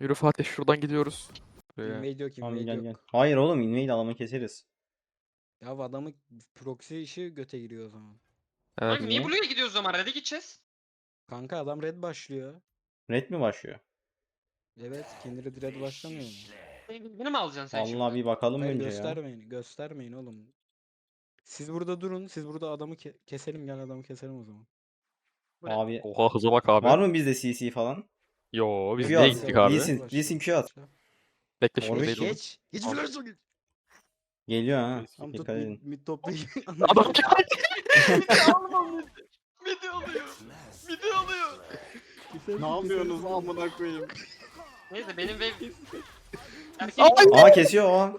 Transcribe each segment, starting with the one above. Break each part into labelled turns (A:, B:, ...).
A: Yürü Fatih şuradan gidiyoruz. Buraya.
B: Invade yok,
C: Tamam
B: invade
C: gel
B: yok.
C: gel. Hayır oğlum invade alanı keseriz.
B: Ya adamı proxy işi göte giriyor o zaman.
A: Evet.
D: Kanka niye
C: Niye?
D: Blue'ya gidiyoruz o zaman? Red'e gideceğiz.
B: Kanka adam red başlıyor.
C: Red mi başlıyor?
B: Evet, Kindred red başlamıyor mu?
D: Beni mi alacaksın sen
C: Allah
D: şimdi?
C: bir bakalım
B: Hayır
C: önce ya.
B: göstermeyin, göstermeyin oğlum. Siz burada durun, siz burada adamı keselim, gel adamı keselim o zaman.
D: Bu ne?
C: Abi
A: Oha hıza bak abi.
C: var mı bizde CC falan?
A: Yo biz
C: Q
A: niye
C: at.
A: gittik abi?
C: Lee Sin Q at.
A: Bekle şimdi
C: Orada
A: değil oğlum.
B: Geç
A: Al.
B: flörtü geç.
C: Geliyor ha.
B: Tam tut
C: Dikkat edin.
B: mid toplayı.
A: Adam
D: Alma midi alıyor. Midi alıyor.
E: Ne yapıyorsunuz amına koyayım?
D: Neyse benim wave... Erkek
C: Aa kesiyor o.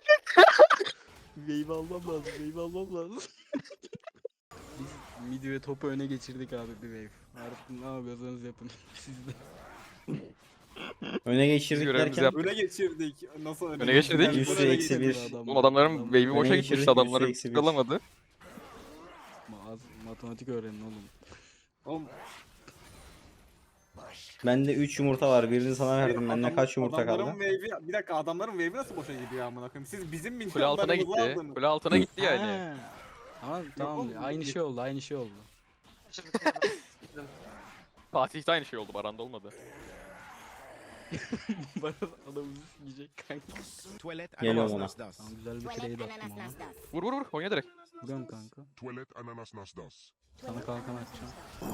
B: Wave almam lazım, wave almam lazım. Biz mid ve topu öne geçirdik abi bir wave. Artık ne yapıyorsanız yapın. Siz de.
C: Öne geçirdik
A: görevimizi
C: derken.
A: yaptık.
E: Öne geçirdik. Nasıl öne
A: Öne geçirdik.
E: geçirdik?
C: Üstü
E: Öne
C: eksi
E: geçirdik.
C: bir.
A: Oğlum adamların wave'i boşa
C: Öne
A: gitmiş.
C: geçirdik,
A: Adamları
C: üstü eksi bir.
A: alamadı.
B: Matematik öğrenin oğlum.
E: Oğlum,
C: Bende 3 yumurta var. Birini sana verdim. Bende
E: adam-
C: kaç yumurta
E: adamların
C: kaldı?
E: wave'i- bir dakika adamların wave'i nasıl boşa gidiyor amına koyayım? Siz bizim
A: Kule altına
E: milyonlarımızı
A: gitti.
E: aldınız.
A: Kule altına gitti yani.
B: Ha. Tamam
E: oğlum,
B: aynı
E: git.
B: şey oldu aynı şey oldu.
A: Fatih'te aynı şey oldu. Baran'da olmadı.
B: Bana adamımızı yiyecek kanka.
F: Tuvalet
C: Geliyorum
F: ananas
C: ona.
F: nas.
B: Tamam güzel bir
G: Tuvalet
B: trade attım
G: ananas
B: ama.
G: nas nas.
A: Vur vur vur. Oyna direkt.
B: Vuruyorum kanka.
F: Tuvalet ananas nas das.
B: Sana kalkan atacağım.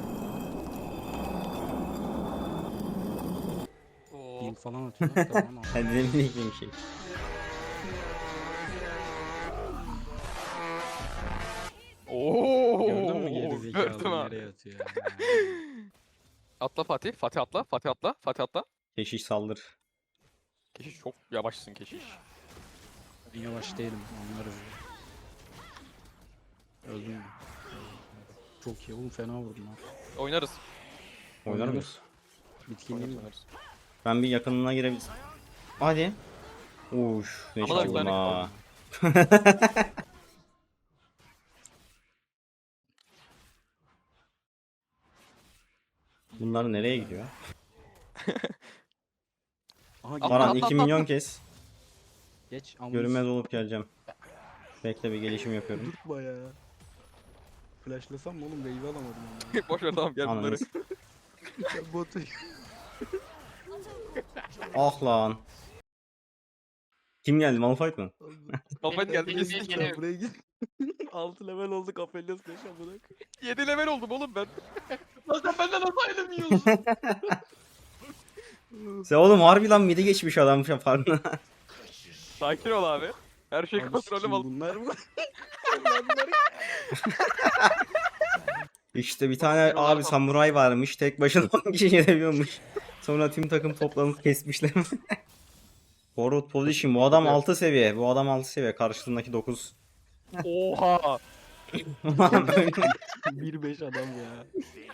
D: Oo.
B: Heal falan atıyor. Tamam al.
C: Hadi ne bileyim bir şey.
A: Oo.
B: Gördün mü geri
A: Gördüm
B: zekalı
A: abi.
B: nereye atıyor ya.
A: Atla Fatih. Fatih atla. Fatih atla. Fatih atla.
C: Keşiş saldır.
A: Keşiş çok yavaşsın keşiş.
B: Ben yavaş değilim anlarız. Öldüm mü? Çok iyi oğlum fena vurdun ha.
A: Oynarız.
C: Oynar
B: Oynarız.
C: mıyız?
B: Bitkinliğim var.
A: Oynarız.
C: Ben bir yakınına girebilirim. Hadi. Uş ne
A: Ama da bir
C: çaldın
A: tane
C: ha. Bunlar nereye gidiyor?
B: Aha
A: Atla,
C: Baran
A: atla,
C: 2
A: atla,
C: milyon
A: atla.
C: kes.
B: geç ama
C: Görünmez olup geleceğim. Bekle bir gelişim yapıyorum.
B: durtma ya. Flashlasam mı oğlum wave alamadım ama.
A: Boş ver tamam gel bunları.
C: Anladınız.
B: Ya botu.
C: Ah lan. Kim geldi? Malphite mı?
A: Malphite geldi
D: benim
A: kesin.
D: wave gene-
B: Buraya git. 6 level olduk Aphelios 5 amına.
A: 7 level oldum oğlum ben.
D: Lan sen benden nasıl ayrılmıyorsun?
C: Sen oğlum harbi lan midi geçmiş adam farkına.
A: Sakin ol abi. Her şey kontrolüm al.
B: Bunlar mı?
C: İşte bir tane abi samuray varmış. Tek başına 10 kişi yenebiliyormuş. Sonra tüm takım toplanıp kesmişler. Forward position. Bu adam 6 seviye. Bu adam 6 seviye. Karşısındaki 9.
A: Oha.
C: Ulan böyle.
B: 1-5 adam ya.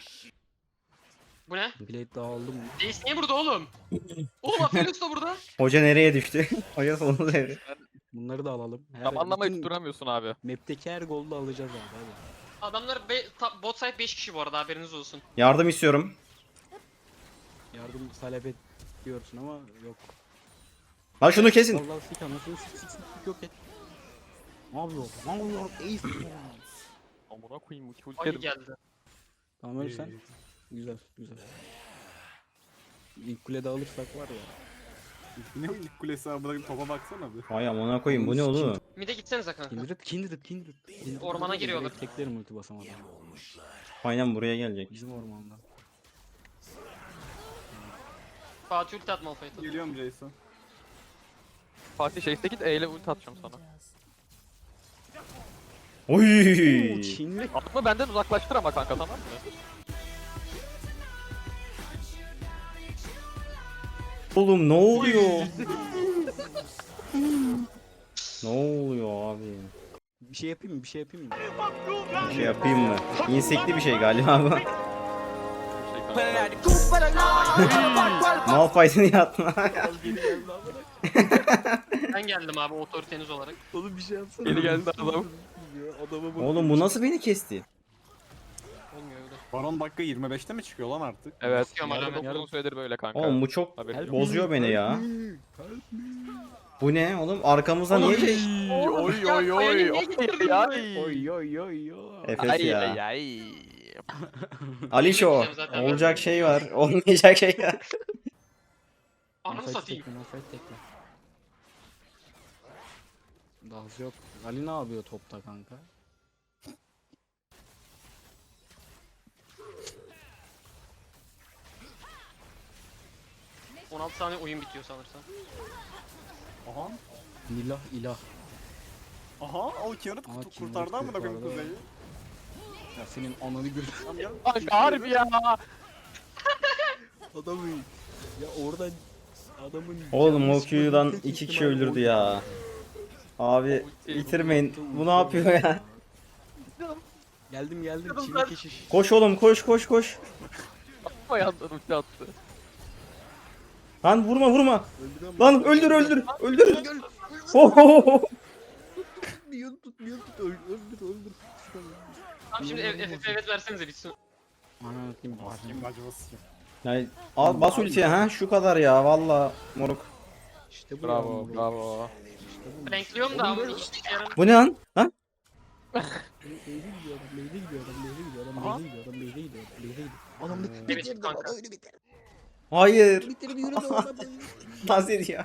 D: Bu ne?
B: Blade daha aldım mı?
D: Jace niye burada oğlum? Oğlum Aphelios da burada.
C: Hoca nereye düştü? Hoca sonunu sevdi.
B: Bunları da alalım.
A: Zamanlamayı
B: bütün
A: tutturamıyorsun abi.
B: Map'teki her golü alacağız abi hadi.
D: Adamlar bot side 5 kişi bu arada haberiniz olsun.
C: Yardım istiyorum.
B: Yardım talep ediyorsun ama yok.
C: Lan şunu kesin.
B: Allah sik anasını sik yok et. Ne yapıyor? Ne yapıyor? Ace.
A: Amına koyayım ulti
D: Ay
A: ulti.
D: geldi.
B: Tamam öyle sen. Güzel güzel. İlk kulede alırsak var ya.
E: Ne o ilk kulesi amına koyayım topa baksana bir.
C: Vay amına koyayım bu ne oğlum?
D: Mide gitsenize kanka.
B: Kindred.
D: Ormana giriyorlar.
B: Teklerim ulti basamadım.
C: Aynen buraya gelecek.
B: Bizim ormanda.
D: Fatih ulti atma Malphite'a.
E: Geliyorum Jason.
A: Fatih şeyse git E ile ulti atacağım sana.
C: Oy!
B: Çinli.
A: Atma benden uzaklaştır ama kanka tamam mı?
C: Oğlum ne oluyor? Ne oluyor abi?
B: Bir şey yapayım mı? Bir şey yapayım mı?
C: Bir şey yapayım mı? İnsekli bir şey galiba bu.
A: Şey kanka.
C: Malphite'ın yatma.
D: Ben geldim abi otoriteniz olarak.
B: Oğlum bir şey yapsana.
A: Geri geldi adam.
B: Adama bak.
C: Oğlum bu nasıl beni kesti?
D: Olmuyor öyle.
E: Baron dakika 25'te mi çıkıyor lan artık?
A: Evet.
D: Bakıyorum hala
A: Yarın
D: ben.
A: uzun süredir böyle kanka.
C: Oğlum bu çok
A: Haberin yok.
C: bozuyor beni ya. Bu ne oğlum? Arkamızda niye şey?
A: Oy
D: Ya,
A: oy oy.
D: Kayan'ı niye getirdin
A: Ay
B: Oy oy oy oy.
C: Efes
A: ay
C: ya.
A: ay ay.
C: Alişo.
D: Diyeceğim zaten ben.
C: Olacak şey var. Olmayacak şey var.
D: Ananı
B: Malphite
D: satayım.
B: tekle, Malphite tekle. Daha yok. Ali ne yapıyor topta kanka?
D: Cık, 16 saniye oyun bitiyor sanırsam.
E: Aha.
B: Nilah ilah.
E: Aha o Kian'ı
B: Aa, Kian'ı
E: kurtardı amına koyayım
B: kurtardı.
E: kuzeyi.
B: Ya senin ananı gör.
E: Tamam gel.
A: Kanka harbi ya.
B: Adamı. Ya oradan adamın
C: Oğlum o
B: yanlış
C: Q'dan
B: tek
C: 2 kişi
B: ihtimal
C: öldürdü
B: oydu.
C: ya. Abi bitirmeyin. Bu ne yapıyor ya?
B: Geldim geldim.
D: Kırıldı.
B: Çivi keşiş.
C: Koş oğlum koş koş koş.
A: Ayağından ulti attı.
C: Lan vurma vurma.
B: Öldüremem.
C: Lan öldür öldür. Öldür. Ohohoho.
B: Tutmuyor tutmuyor tut. Öldür öldür.
D: Tamam şimdi FF evet versenize bitsin.
B: Ana kim
E: Kim acımasız kim.
C: Yani al bas ultiye ha şu kadar ya valla moruk.
B: İşte bu
A: Bravo
B: ya.
A: bravo.
B: İşte bu.
D: Renkliyorum da ama hiç yarın.
C: Bu ne lan? Lan?
B: Lane'e gidiyor adam, lane'e gidiyor adam, lane'e gidiyor adam, lane'e gidiyor adam, lane'e gidiyor adam, lane'e gidiyor. Adam da
D: Evet,
B: bitirdi
D: kanka.
B: bana öyle bitir.
C: Hayır.
B: Bitirdi yürüdü oradan.
C: Nazir ya.